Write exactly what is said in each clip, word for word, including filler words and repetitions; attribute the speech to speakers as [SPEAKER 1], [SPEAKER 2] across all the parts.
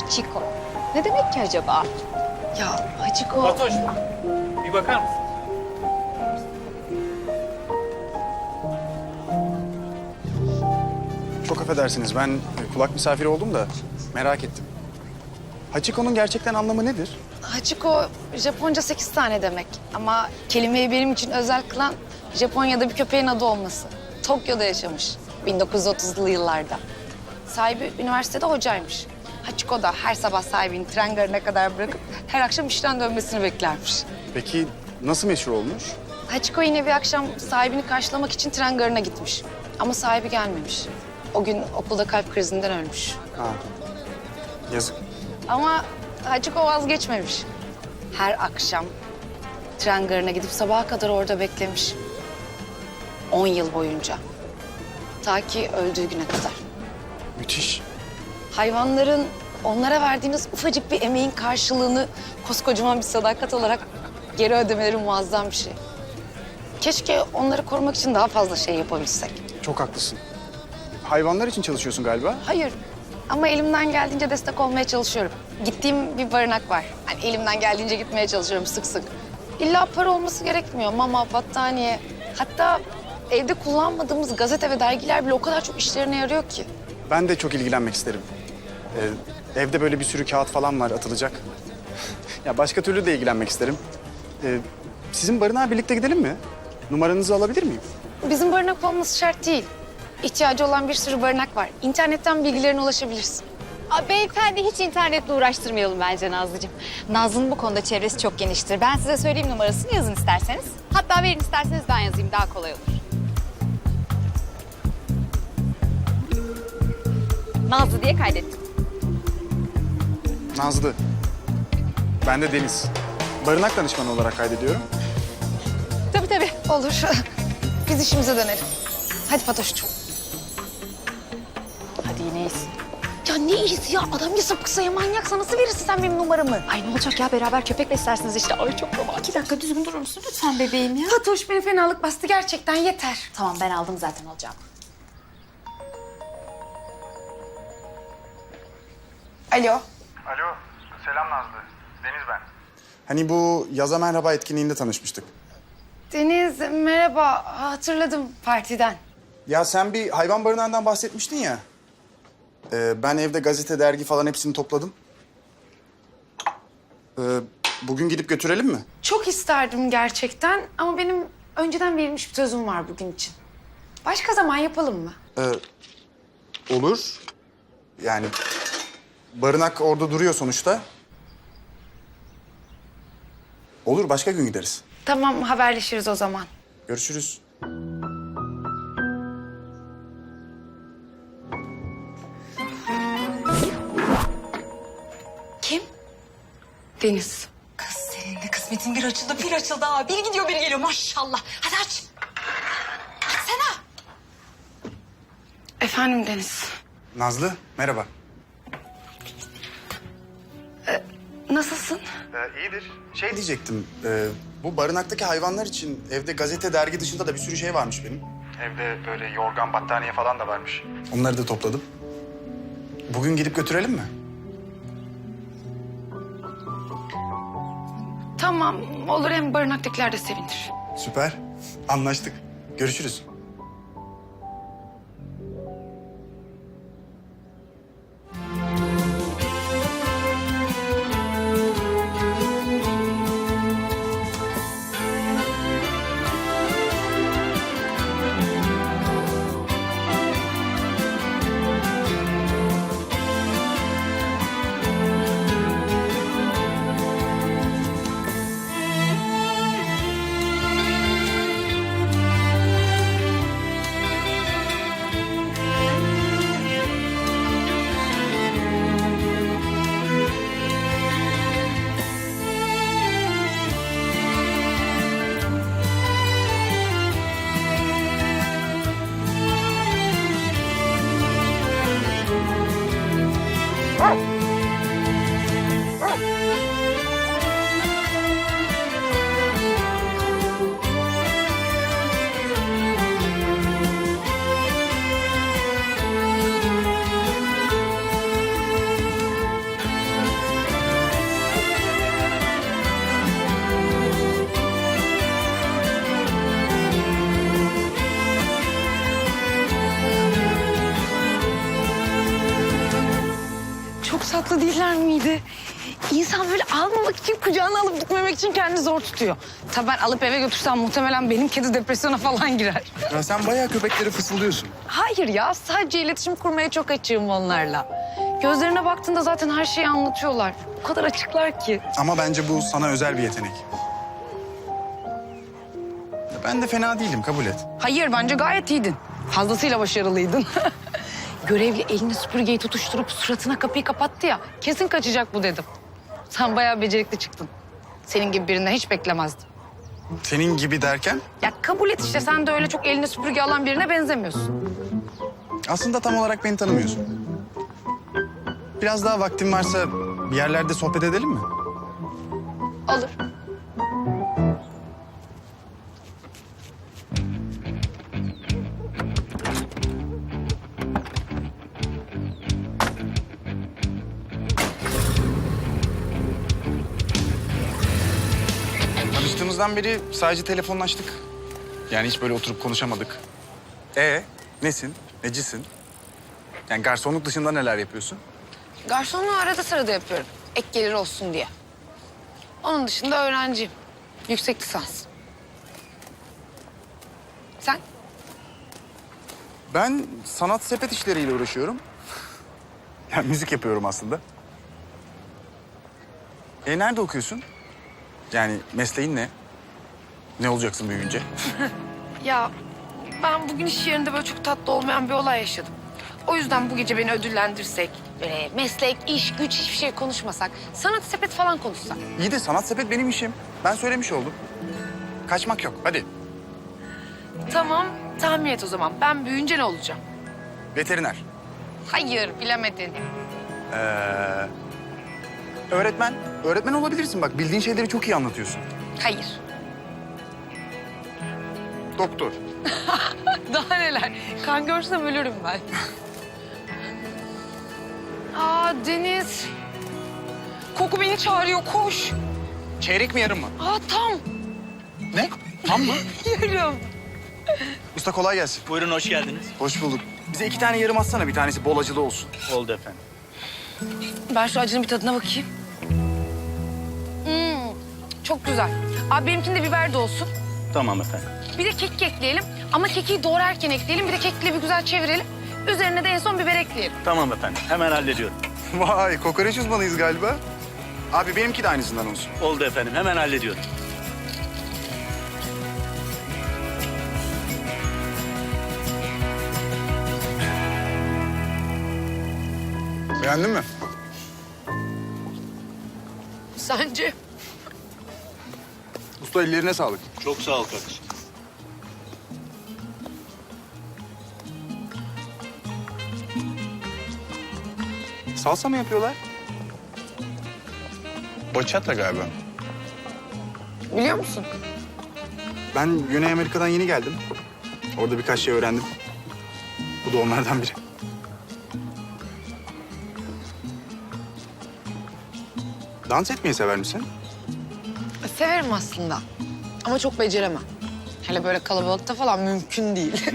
[SPEAKER 1] Hachiko. Ne demek ki acaba?
[SPEAKER 2] Ya Hachiko...
[SPEAKER 3] Fatoş, bir bakar mısın?
[SPEAKER 4] Çok affedersiniz, ben kulak misafiri oldum da merak ettim. Hachiko'nun gerçekten anlamı nedir?
[SPEAKER 2] Hachiko Japonca sekiz tane demek. Ama kelimeyi benim için özel kılan Japonya'da bir köpeğin adı olması. Tokyo'da yaşamış bin dokuz yüz otuzlu yıllarda. Sahibi üniversitede hocaymış. Hachiko da her sabah sahibini tren garına kadar bırakıp her akşam işten dönmesini beklermiş.
[SPEAKER 4] Peki nasıl meşhur olmuş?
[SPEAKER 2] Hachiko yine bir akşam sahibini karşılamak için tren garına gitmiş. Ama sahibi gelmemiş. O gün okulda kalp krizinden ölmüş.
[SPEAKER 4] Ha, yazık.
[SPEAKER 2] Ama Hachiko vazgeçmemiş. Her akşam tren garına gidip sabaha kadar orada beklemiş. On yıl boyunca. Ta ki öldüğü güne kadar.
[SPEAKER 4] Müthiş.
[SPEAKER 2] Hayvanların onlara verdiğiniz ufacık bir emeğin karşılığını koskocaman bir sadakat olarak geri ödemeleri muazzam bir şey. Keşke onları korumak için daha fazla şey yapabilsek.
[SPEAKER 4] Çok haklısın. Hayvanlar için çalışıyorsun galiba.
[SPEAKER 2] Hayır ama elimden geldiğince destek olmaya çalışıyorum. Gittiğim bir barınak var. Hani elimden geldiğince gitmeye çalışıyorum sık sık. İlla para olması gerekmiyor. Mama, battaniye. Hatta evde kullanmadığımız gazete ve dergiler bile o kadar çok işlerine yarıyor ki.
[SPEAKER 4] Ben de çok ilgilenmek isterim. Ee, evde böyle bir sürü kağıt falan var atılacak. Ya başka türlü de ilgilenmek isterim. Ee, sizin barınağa birlikte gidelim mi? Numaranızı alabilir miyim?
[SPEAKER 2] Bizim barınak olması şart değil. İhtiyacı olan bir sürü barınak var. İnternetten bilgilerine ulaşabilirsin.
[SPEAKER 1] Aa, beyefendi hiç internetle uğraştırmayalım bence Nazlıcığım. Nazlı'nın bu konuda çevresi çok geniştir. Ben size söyleyeyim numarasını yazın isterseniz. Hatta verin isterseniz ben yazayım daha kolay olur. Nazlı diye kaydettim.
[SPEAKER 4] Nazlı. Ben de Deniz. Barınak danışmanı olarak kaydediyorum.
[SPEAKER 1] Tabii tabii.
[SPEAKER 2] Olur. Biz işimize dönelim. Hadi Fatoş'cum.
[SPEAKER 1] Hadi yine iyisin.
[SPEAKER 2] Ya ne iyisi ya? Adam ya sapıksa ya manyaksa nasıl verirsin sen benim numaramı?
[SPEAKER 1] Ay ne olacak ya beraber köpek beslersiniz işte. Ay çok romantik. İki dakika düzgün durur musun lütfen bebeğim ya?
[SPEAKER 2] Fatoş beni fenalık bastı gerçekten yeter.
[SPEAKER 1] Tamam ben aldım zaten alacağım.
[SPEAKER 2] Alo.
[SPEAKER 4] Alo, selam Nazlı. Deniz ben. Hani bu Yaza Merhaba etkinliğinde tanışmıştık.
[SPEAKER 2] Deniz merhaba. Hatırladım partiden.
[SPEAKER 4] Ya sen bir hayvan barınağından bahsetmiştin ya. Ee, ben evde gazete, dergi falan hepsini topladım. Ee, bugün gidip götürelim mi?
[SPEAKER 2] Çok isterdim gerçekten ama benim önceden verilmiş bir sözüm var bugün için. Başka zaman yapalım mı?
[SPEAKER 4] Ee, olur. Yani barınak orada duruyor sonuçta. Olur, başka gün gideriz.
[SPEAKER 2] Tamam haberleşiriz o zaman.
[SPEAKER 4] Görüşürüz.
[SPEAKER 1] Kim?
[SPEAKER 2] Deniz.
[SPEAKER 1] Kız senin de kısmetin bir açıldı bir açıldı ha. Bir gidiyor bir geliyor maşallah. Hadi aç. Açsana.
[SPEAKER 2] Efendim Deniz.
[SPEAKER 4] Nazlı, merhaba.
[SPEAKER 2] Nasılsın?
[SPEAKER 4] Ee, iyidir. Şey diyecektim, e, bu barınaktaki hayvanlar için evde gazete, dergi dışında da bir sürü şey varmış benim. Evde böyle yorgan, battaniye falan da varmış. Onları da topladım. Bugün gidip götürelim mi?
[SPEAKER 2] Tamam olur hem barınaktakiler de sevinir.
[SPEAKER 4] Süper. Anlaştık. Görüşürüz.
[SPEAKER 2] Çok tatlı değiller miydi? İnsan böyle almamak için, kucağına alıp gitmemek için kendini zor tutuyor. Tabii ben alıp eve götürsem muhtemelen benim kedi depresyona falan girer.
[SPEAKER 4] Ya sen bayağı köpeklere fısıldıyorsun.
[SPEAKER 2] Hayır ya, sadece iletişim kurmaya çok açığım onlarla. Gözlerine baktığında zaten her şeyi anlatıyorlar. O kadar açıklar ki.
[SPEAKER 4] Ama bence bu sana özel bir yetenek. Ya ben de fena değilim, kabul et.
[SPEAKER 2] Hayır, bence gayet iyiydin. Fazlasıyla başarılıydın. Görevli elini süpürgeyi tutuşturup suratına kapıyı kapattı ya. Kesin kaçacak bu dedim. Sen bayağı becerikli çıktın. Senin gibi birinden hiç beklemezdim.
[SPEAKER 4] Senin gibi derken
[SPEAKER 2] Ya kabul et işte, sen de öyle çok eline süpürge alan birine benzemiyorsun.
[SPEAKER 4] aslında tam olarak beni tanımıyorsun. Biraz daha vaktin varsa bir yerlerde sohbet edelim mi?
[SPEAKER 2] Olur.
[SPEAKER 4] Tanıştığımızdan beri sadece telefonlaştık. Yani hiç böyle oturup konuşamadık. Ee, nesin? Necisin? Yani garsonluk dışında neler yapıyorsun?
[SPEAKER 2] Garsonluğu arada sırada yapıyorum. Ek gelir olsun diye. Onun dışında öğrenciyim. Yüksek lisans. Sen?
[SPEAKER 4] Ben sanat sepet işleriyle uğraşıyorum. Yani müzik yapıyorum aslında. E nerede okuyorsun? Yani mesleğin ne? Ne olacaksın büyüyünce?
[SPEAKER 2] Ya ben bugün iş yerinde böyle çok tatlı olmayan bir olay yaşadım. O yüzden bu gece beni ödüllendirsek, böyle meslek, iş, güç hiçbir şey konuşmasak, sanat sepet falan konuşsak.
[SPEAKER 4] İyi de sanat sepet benim işim. Ben söylemiş oldum. Kaçmak yok. Hadi.
[SPEAKER 2] Tamam, tahmin et o zaman. Ben büyüyünce ne olacağım?
[SPEAKER 4] Veteriner.
[SPEAKER 2] Hayır, bilemedin.
[SPEAKER 4] Ee, öğretmen. Öğretmen olabilirsin bak. Bildiğin şeyleri çok iyi anlatıyorsun.
[SPEAKER 2] Hayır.
[SPEAKER 4] Doktor.
[SPEAKER 2] Daha neler? Kan görsem ölürüm ben. Aa Deniz. Koku beni çağırıyor, koş.
[SPEAKER 4] Çeyrek mi yarım mı?
[SPEAKER 2] Aa tam.
[SPEAKER 4] Ne? Tam mı?
[SPEAKER 2] Yarım.
[SPEAKER 4] Usta kolay gelsin.
[SPEAKER 3] Buyurun, hoş geldiniz.
[SPEAKER 4] Hoş bulduk. Bize iki tane yarım atsana. Bir tanesi bol acılı olsun.
[SPEAKER 3] Oldu efendim.
[SPEAKER 2] Ben şu acının bir tadına bakayım. Hmm, çok güzel. Abi benimkinde biber de olsun.
[SPEAKER 3] Tamam efendim.
[SPEAKER 2] Bir de kekik ekleyelim. Ama kekiği doğrarken ekleyelim. Bir de kekikle bir güzel çevirelim. Üzerine de en son biber ekleyelim.
[SPEAKER 3] Tamam efendim, hemen hallediyorum.
[SPEAKER 4] Vay kokoreç uzmanıyız galiba. Abi benimki de aynısından olsun.
[SPEAKER 3] Oldu efendim, hemen hallediyorum.
[SPEAKER 4] Beğendin mi?
[SPEAKER 2] Sence?
[SPEAKER 4] Usta ellerine sağlık.
[SPEAKER 3] Çok sağ ol kardeşim.
[SPEAKER 4] Salsa mı yapıyorlar? Bachata galiba.
[SPEAKER 2] Biliyor musun?
[SPEAKER 4] Ben Güney Amerika'dan yeni geldim. Orada birkaç şey öğrendim. Bu da onlardan biri. Dans etmeyi sever misin?
[SPEAKER 2] Severim aslında. Ama çok beceremem. Hele böyle kalabalıkta falan mümkün değil.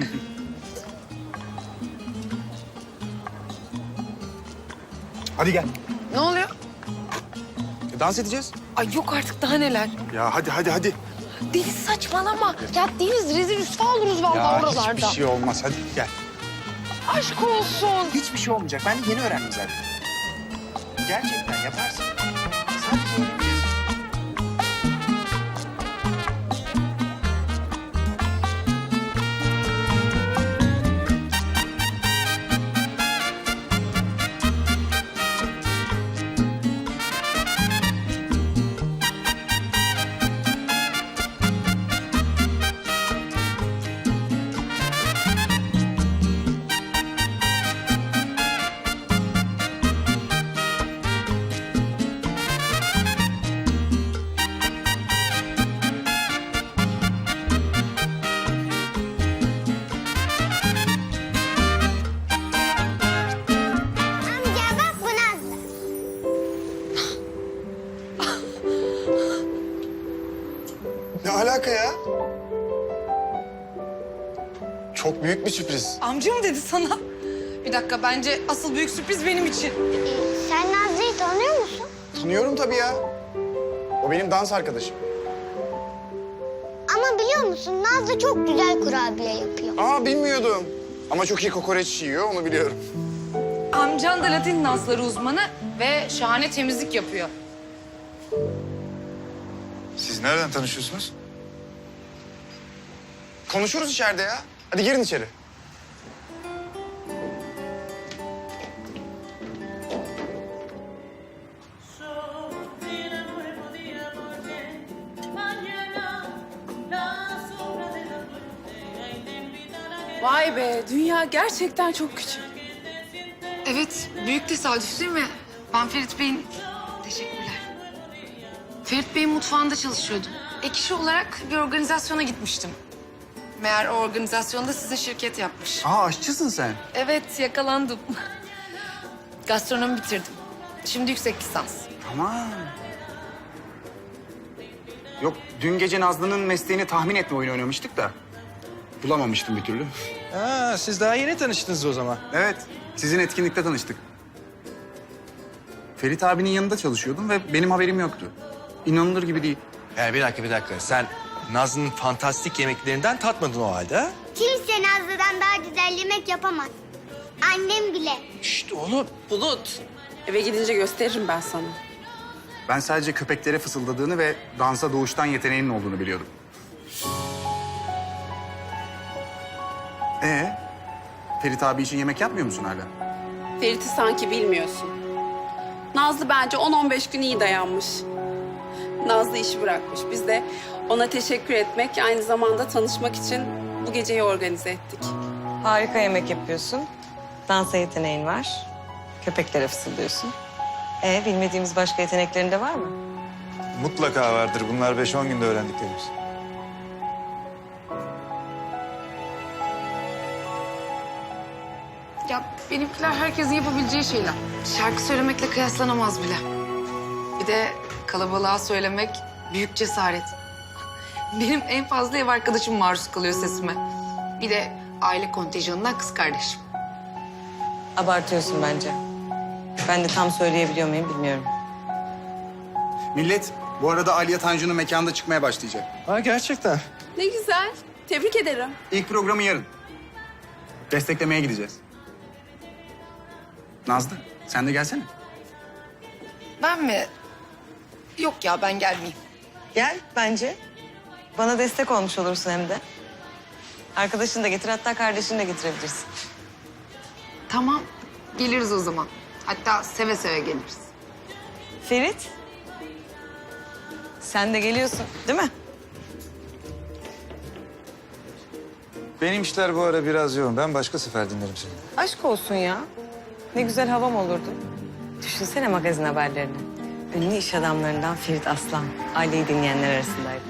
[SPEAKER 4] Hadi gel.
[SPEAKER 2] Ne oluyor?
[SPEAKER 4] E, dans edeceğiz.
[SPEAKER 2] Ay yok artık, daha neler.
[SPEAKER 4] Ya hadi hadi hadi.
[SPEAKER 2] Deniz saçmalama. Ya Deniz rezil rüsva oluruz vallahi
[SPEAKER 4] Ya
[SPEAKER 2] oralarda.
[SPEAKER 4] hiçbir şey olmaz. Hadi gel.
[SPEAKER 2] Aşk olsun.
[SPEAKER 4] Hiçbir şey olmayacak. Ben de yeni öğrendim zaten. Gerçekten yaparsın. Sadece öğreneceğiz.
[SPEAKER 5] Amca bak bu Nazlı.
[SPEAKER 4] Ne alaka ya? Çok büyük bir sürpriz.
[SPEAKER 2] Amcam dedi sana. Bir dakika, bence asıl büyük sürpriz benim için.
[SPEAKER 5] Ee, sen
[SPEAKER 4] Tanıyorum tabii ya. O benim dans arkadaşım.
[SPEAKER 5] Ama biliyor musun Nazlı çok güzel kurabiye yapıyor.
[SPEAKER 4] Aa bilmiyordum. Ama çok iyi kokoreç yiyor, onu biliyorum.
[SPEAKER 2] Amcan da Latin dansları uzmanı ve şahane temizlik yapıyor.
[SPEAKER 6] Siz nereden tanışıyorsunuz?
[SPEAKER 4] Konuşuruz içeride ya. Hadi girin içeri.
[SPEAKER 7] Vay be, dünya gerçekten çok küçük.
[SPEAKER 2] Evet, büyük tesadüf değil mi? Ben Ferit Bey'in... Teşekkürler. Ferit Bey'in mutfağında çalışıyordum. Ek işi olarak bir organizasyona gitmiştim. Meğer o organizasyonda size şirket yapmış.
[SPEAKER 4] Aa aşçısın sen.
[SPEAKER 2] Evet, yakalandım. Gastronomi bitirdim. Şimdi yüksek lisans.
[SPEAKER 4] Tamam. Yok, dün gece Nazlı'nın mesleğini tahmin etme oyunu oynamıştık da. Bulamamıştım bir türlü.
[SPEAKER 8] Ha, siz daha yeni tanıştınız o zaman.
[SPEAKER 4] Evet, sizin etkinlikte tanıştık. Ferit abinin yanında çalışıyordum ve benim haberim yoktu. İnanılır gibi değil.
[SPEAKER 8] Yani bir dakika, bir dakika. Sen Nazlı'nın fantastik yemeklerinden tatmadın o halde ha?
[SPEAKER 5] Kimse Nazlı'dan daha güzel yemek yapamaz. Annem bile.
[SPEAKER 8] Şşt oğlum.
[SPEAKER 7] Bulut, eve gidince gösteririm ben sana.
[SPEAKER 4] Ben sadece köpeklere fısıldadığını ve dansa doğuştan yeteneğinin olduğunu biliyordum. Ee, Ferit abi için yemek yapmıyor musun hala?
[SPEAKER 7] Ferit'i sanki bilmiyorsun. Nazlı bence on on beş gün iyi dayanmış. Nazlı işi bırakmış. Biz de ona teşekkür etmek, aynı zamanda tanışmak için bu geceyi organize ettik.
[SPEAKER 9] Harika yemek yapıyorsun. Dansa yeteneğin var. Köpeklere fısıldıyorsun. Ee, bilmediğimiz başka yeteneklerin de var mı?
[SPEAKER 6] Mutlaka vardır. Bunlar beş on günde öğrendiklerimiz.
[SPEAKER 2] Ya benimkiler herkesin yapabileceği şeyler. Şarkı söylemekle kıyaslanamaz bile. Bir de kalabalığa söylemek büyük cesaret. Benim en fazla ev arkadaşım maruz kalıyor sesime. Bir de aile kontenjanından kız kardeşim.
[SPEAKER 9] Abartıyorsun bence. Ben de tam söyleyebiliyor muyum bilmiyorum.
[SPEAKER 4] Millet, bu arada Aliye Tanju'nun mekanda çıkmaya başlayacak.
[SPEAKER 8] Ha gerçekten.
[SPEAKER 7] Ne güzel, tebrik ederim.
[SPEAKER 4] İlk programı yarın. Desteklemeye gideceğiz. Nazlı, sen de gelsene.
[SPEAKER 2] Ben mi? Yok ya ben gelmeyeyim.
[SPEAKER 9] Gel bence. Bana destek olmuş olursun hem de. Arkadaşını da getir, hatta kardeşini de getirebilirsin.
[SPEAKER 2] Tamam geliriz o zaman. Hatta seve seve geliriz.
[SPEAKER 9] Ferit. Sen de geliyorsun değil mi?
[SPEAKER 6] Benim işler bu ara biraz yoğun. Ben başka sefer dinlerim seni.
[SPEAKER 9] Aşk olsun ya. Ne güzel havam olurdu. Düşünsene magazin haberlerini. Ünlü iş adamlarından Ferit Aslan. Aileyi dinleyenler arasındaydı.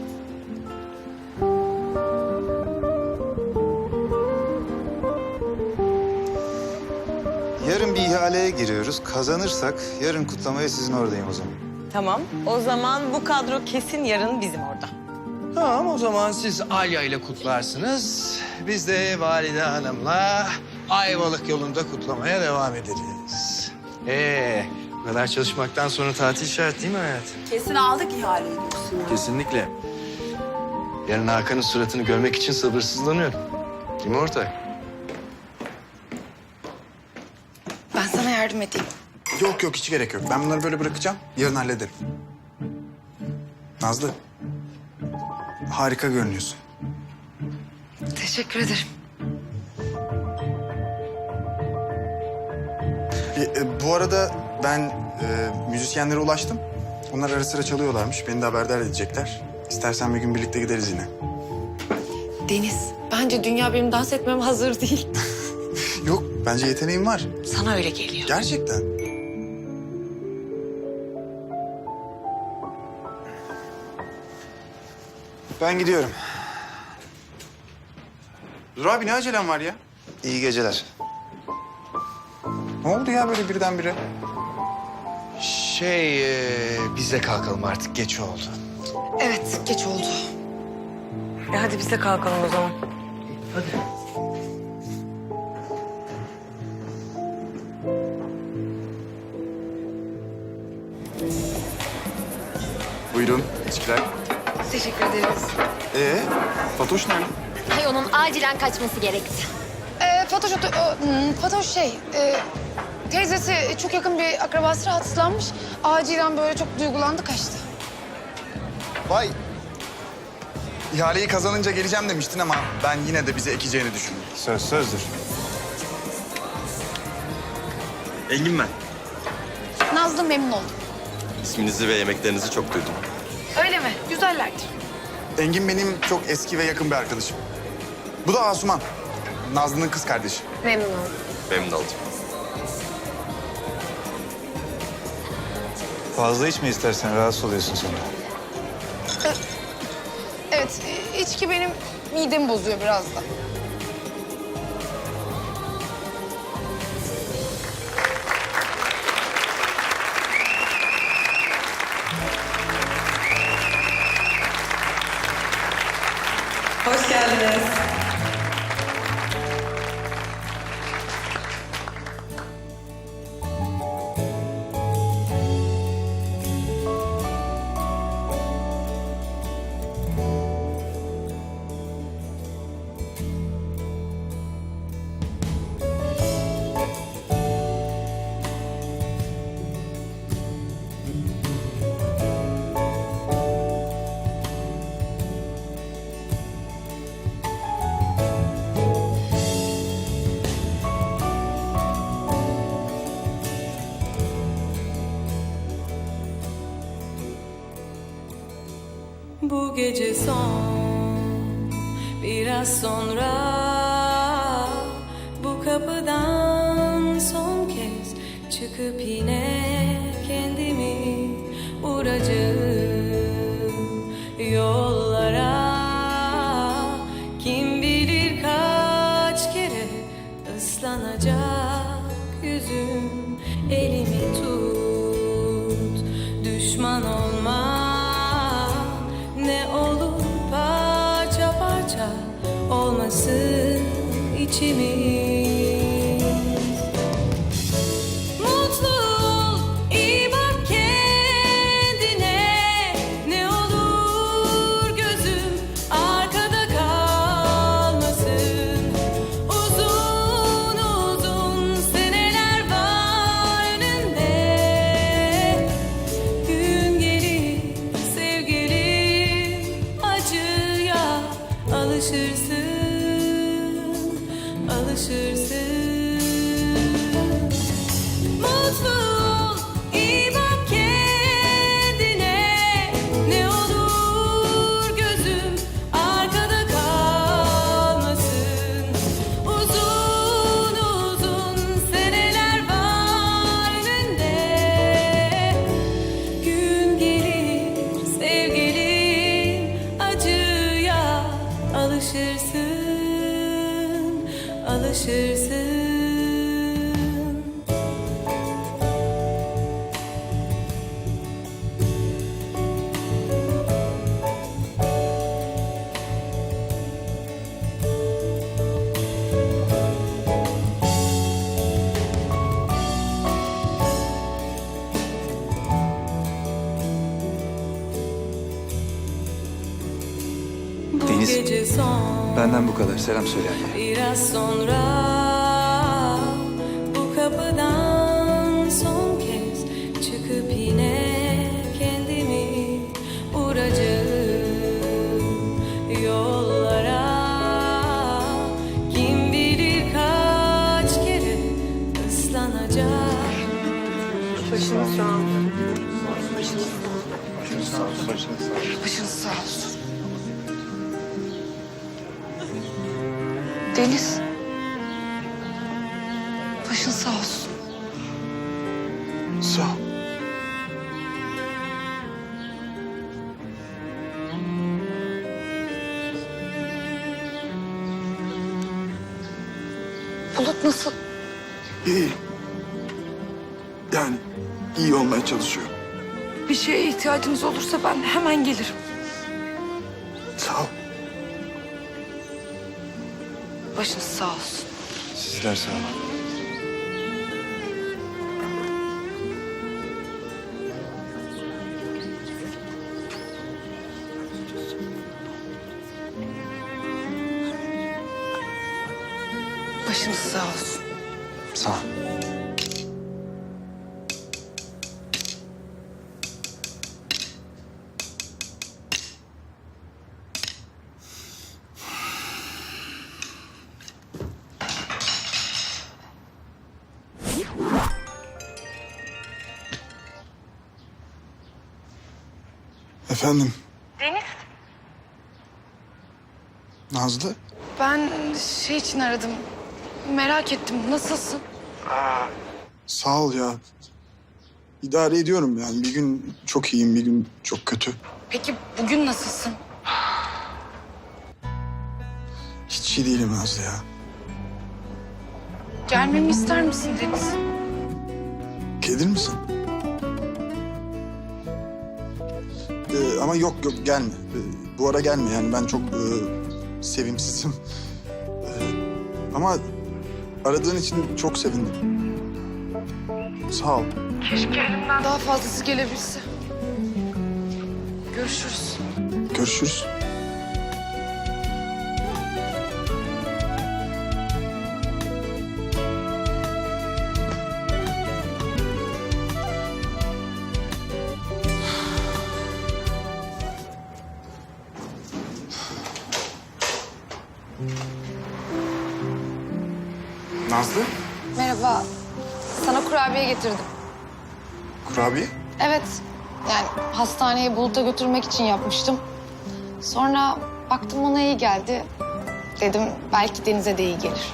[SPEAKER 6] Yarın bir ihaleye giriyoruz. Kazanırsak yarın kutlamaya sizin oradayım o zaman.
[SPEAKER 9] Tamam. O zaman bu kadro kesin yarın bizim orada.
[SPEAKER 8] Tamam, o zaman siz Alya ile kutlarsınız. Biz de Valide Hanım'la Ayvalık yolunda kutlamaya devam ederiz. Ee, bu kadar çalışmaktan sonra tatil şart değil mi hayatım?
[SPEAKER 7] Kesin aldık ihaleyi diyorsun ya.
[SPEAKER 8] Kesinlikle. Yarın Hakan'ın suratını görmek için sabırsızlanıyorum. Değil mi ortak?
[SPEAKER 2] Ben sana yardım edeyim.
[SPEAKER 4] Yok yok, hiç gerek yok. Ben bunları böyle bırakacağım, yarın hallederim. Nazlı, harika görünüyorsun.
[SPEAKER 2] Teşekkür ederim.
[SPEAKER 4] E, e, bu arada ben e, müzisyenlere ulaştım. Onlar ara sıra çalıyorlarmış, beni de haberdar edecekler. İstersen bir gün birlikte gideriz yine.
[SPEAKER 2] Deniz, bence dünya benim dans etmem hazır değil.
[SPEAKER 4] Yok, bence yeteneğim var.
[SPEAKER 2] Sana öyle geliyor.
[SPEAKER 4] Gerçekten.
[SPEAKER 6] Ben gidiyorum.
[SPEAKER 4] Dur abi, ne acelem var ya?
[SPEAKER 6] İyi geceler.
[SPEAKER 4] Ne oldu ya böyle birdenbire?
[SPEAKER 8] Şey, e, biz de kalkalım artık. Geç oldu.
[SPEAKER 2] Evet, geç oldu.
[SPEAKER 9] E hadi biz de kalkalım o zaman.
[SPEAKER 4] Buyurun içkiler.
[SPEAKER 2] Teşekkür ederiz.
[SPEAKER 4] Ee, Fatoş nerede?
[SPEAKER 5] Hay onun acilen kaçması gerekti.
[SPEAKER 2] Ee, Fatoş, oto- o, hmm, Fatoş şey, e, teyzesi çok yakın bir akrabası rahatsızlanmış. Acilen böyle çok duygulandı, kaçtı.
[SPEAKER 4] Vay. İhaleyi kazanınca geleceğim demiştin ama ben yine de bize ekeceğini düşündüm.
[SPEAKER 6] Söz sözdür.
[SPEAKER 10] Engin ben.
[SPEAKER 2] Nazlı, memnun oldum.
[SPEAKER 10] İsminizi ve yemeklerinizi çok duydum.
[SPEAKER 2] Öyle mi? Güzellerdir.
[SPEAKER 4] Engin benim çok eski ve yakın bir arkadaşım. Bu da Asuman. Nazlı'nın kız kardeşi.
[SPEAKER 2] Memnun oldum.
[SPEAKER 10] Memnun oldum.
[SPEAKER 6] Fazla içme istersen, rahatsız oluyorsun sonra.
[SPEAKER 2] Evet, e, içki benim midemi bozuyor biraz da.
[SPEAKER 9] Hoş geldiniz.
[SPEAKER 11] Bu gece son, biraz sonra bu kapıdan son kez çıkıp yine kendimi vuracağım yollara. Kim bilir kaç kere ıslanacak yüzüm, elimi tut, düşman olma. Ne olur parça parça olmasın içimiz. Mutlu ol, iyi bak kendine. Ne olur gözüm arkada kalmasın. Uzun uzun seneler var önünde. Gün gelir sevgilim, acıya alışırsın, alışırsın. Mutlu ol, iyi bak kendine. Ne olur gözüm arkada kalmasın. Uzun uzun seneler var önünde. Gün gelir sevgilim, acıya alışırsın, alışırsın. Bu
[SPEAKER 6] Deniz,
[SPEAKER 11] gece son,
[SPEAKER 6] benden bu kadar. Selam söyle anneye.
[SPEAKER 11] biraz sonra bu kapıdan son kez çıkıp yine kendimi vuracağım yollara. Kim bilir kaç kere ıslanacak.
[SPEAKER 2] Başınız sağ olsun.
[SPEAKER 6] Başınız sağ olsun.
[SPEAKER 2] Başınız sağ olsun. Deniz. Başın sağ olsun.
[SPEAKER 4] Sağ ol.
[SPEAKER 2] Bulut nasıl?
[SPEAKER 12] İyi. Yani iyi olmaya çalışıyor.
[SPEAKER 2] Bir şeye ihtiyacınız olursa ben hemen gelirim.
[SPEAKER 12] Sağ ol.
[SPEAKER 2] Başınız sağ olsun.
[SPEAKER 6] Sizler sağ olun.
[SPEAKER 2] Başınız sağ olsun.
[SPEAKER 4] Sağ ol. Efendim?
[SPEAKER 2] Deniz.
[SPEAKER 4] Nazlı?
[SPEAKER 2] Ben şey için aradım. Merak ettim. Nasılsın?
[SPEAKER 4] Sağ ol ya. İdare ediyorum yani. Bir gün çok iyiyim, bir gün çok kötü.
[SPEAKER 2] Peki bugün nasılsın?
[SPEAKER 4] Hiç iyi değilim Nazlı ya.
[SPEAKER 2] Gelmemi ister misin Deniz?
[SPEAKER 4] Gelir misin? Ee, ama yok yok gelme. Ee, bu ara gelme yani ben çok e, sevimsizim. Ee, ama aradığın için çok sevindim. Sağ ol.
[SPEAKER 2] Keşke elimden daha fazlası gelebilse. Görüşürüz.
[SPEAKER 4] Görüşürüz. Nazlı,
[SPEAKER 2] Merhaba. Sana kurabiye getirdim.
[SPEAKER 4] kurabiye.
[SPEAKER 2] Evet. Yani hastaneye Bulut'a götürmek için yapmıştım. Sonra baktım ona iyi geldi. Dedim belki Deniz'e de iyi gelir.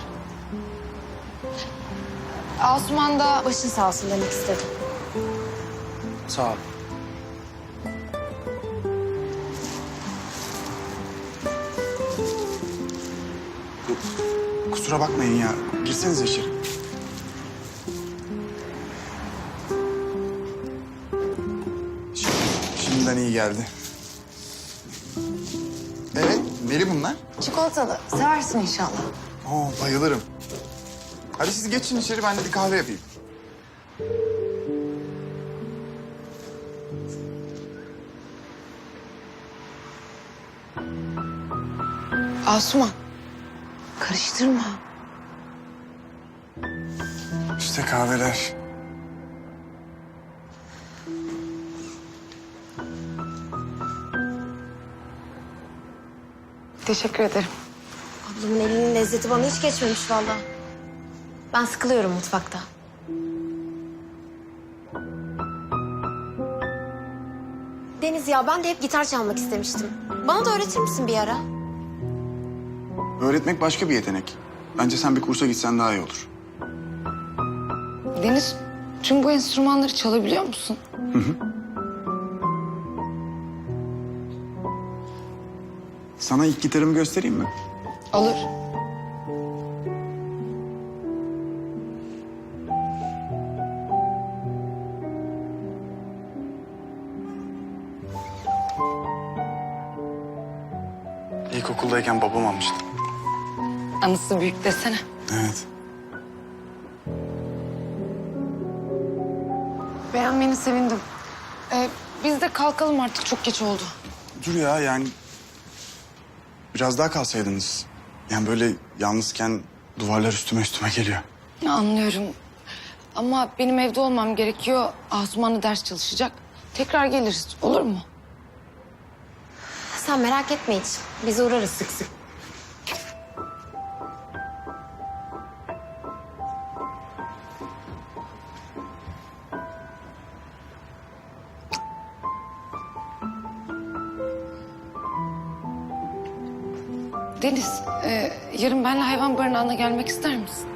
[SPEAKER 2] Asuman da başın sağ olsun demek istedim.
[SPEAKER 4] Sağ ol. Kusura bakmayın ya. Girsenize içeri. Şimdi, şimdiden iyi geldi. Evet, neli bunlar?
[SPEAKER 2] Çikolatalı. Seversin inşallah.
[SPEAKER 4] Oo, bayılırım. Hadi siz geçin içeri, ben de bir kahve yapayım.
[SPEAKER 2] Asuman. Karıştırma.
[SPEAKER 4] İşte kahveler.
[SPEAKER 2] Teşekkür ederim.
[SPEAKER 13] Ablamın elinin lezzeti bana hiç geçmemiş vallahi. Ben sıkılıyorum mutfakta. Deniz ya ben de hep gitar çalmak istemiştim. Bana da öğretir misin bir ara?
[SPEAKER 4] Öğretmek başka bir yetenek. Bence sen bir kursa gitsen daha iyi olur.
[SPEAKER 2] Deniz, tüm bu enstrümanları çalabiliyor musun?
[SPEAKER 4] Hı hı. Sana ilk gitarımı göstereyim mi?
[SPEAKER 2] Olur.
[SPEAKER 4] İlkokuldayken babam almıştı.
[SPEAKER 2] Anısı büyük desene.
[SPEAKER 4] Evet.
[SPEAKER 2] Beğenmeni sevindim. Ee, biz de kalkalım artık, çok geç oldu.
[SPEAKER 4] Dur ya yani... Biraz daha kalsaydınız. Yani böyle yalnızken duvarlar üstüme üstüme geliyor.
[SPEAKER 2] Anlıyorum. Ama benim evde olmam gerekiyor. Asuman da ders çalışacak. Tekrar geliriz, olur mu?
[SPEAKER 13] Sen merak etme hiç. Biz uğrarız sık sık.
[SPEAKER 2] Deniz, e, yarın benimle hayvan barınağına gelmek ister misin?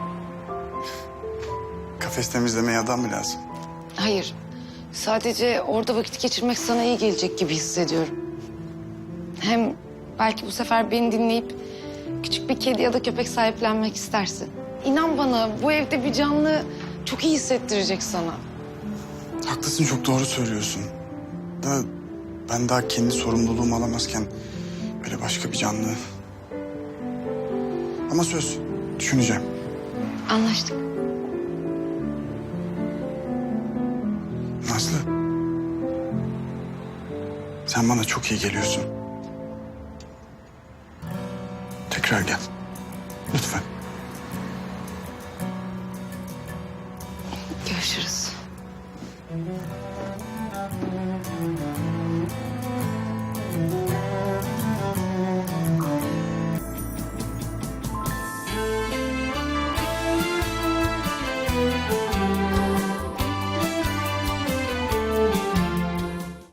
[SPEAKER 4] Kafes temizlemeye adam mı lazım?
[SPEAKER 2] Hayır. Sadece orada vakit geçirmek sana iyi gelecek gibi hissediyorum. Hem belki bu sefer beni dinleyip küçük bir kedi ya da köpek sahiplenmek istersin. İnan bana, bu evde bir canlı çok iyi hissettirecek sana.
[SPEAKER 4] Haklısın, çok doğru söylüyorsun. Da ben daha kendi sorumluluğumu alamazken böyle başka bir canlı. Ama söz, düşüneceğim.
[SPEAKER 2] Anlaştık.
[SPEAKER 4] Nazlı. Sen bana çok iyi geliyorsun. Tekrar gel. Lütfen.
[SPEAKER 2] Görüşürüz.